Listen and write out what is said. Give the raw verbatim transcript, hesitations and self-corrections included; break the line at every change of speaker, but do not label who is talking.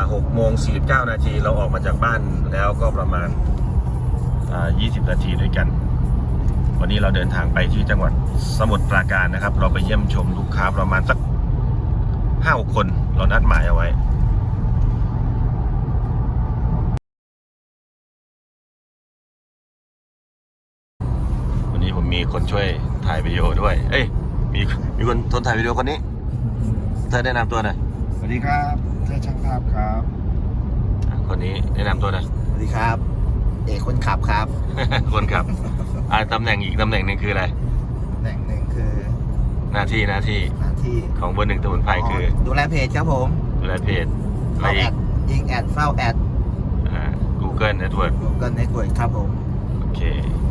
หกโมงสี่สิบเก้านาทีเราออกมาจากบ้านแล้วก็ประมาณยี่สิบนาทีด้วยกันวันนี้เราเดินทางไปที่จังหวัดสมุทรปราการนะครับเราไปเยี่ยมชมลูกค้าประมาณสักห้าหกคนเรานัดหมายเอาไว้วันนี้ผมมีคนช่วยถ่ายวิดีโอด้วยเอ้ยมีมีคนทนถ่ายวิดีโอคนนี้เธอแนะนำตัวหน่อย
สวัสดีครับเธอช่างภาพครับ
คนนี้แนะนำตัวหน่อย
สวัสดีครับเอกคนขับครับ
คนขับอ่าตำแหน่งอีกตำแหน่งหนึ่งคืออะไร
ตำแหน่งหนึ่งคือ
หน้าที่หน้าที่
หน้าที่
ของเบอร์หนึ่งตะวันไพคือ
ดูแลเพจครับผม
ดูแลเพจอะไร
เฝ้าแอ
อีก
ดยิงแอดเฝ้าแอด
อ่า Google Network
Google Network ครับผม
โอเค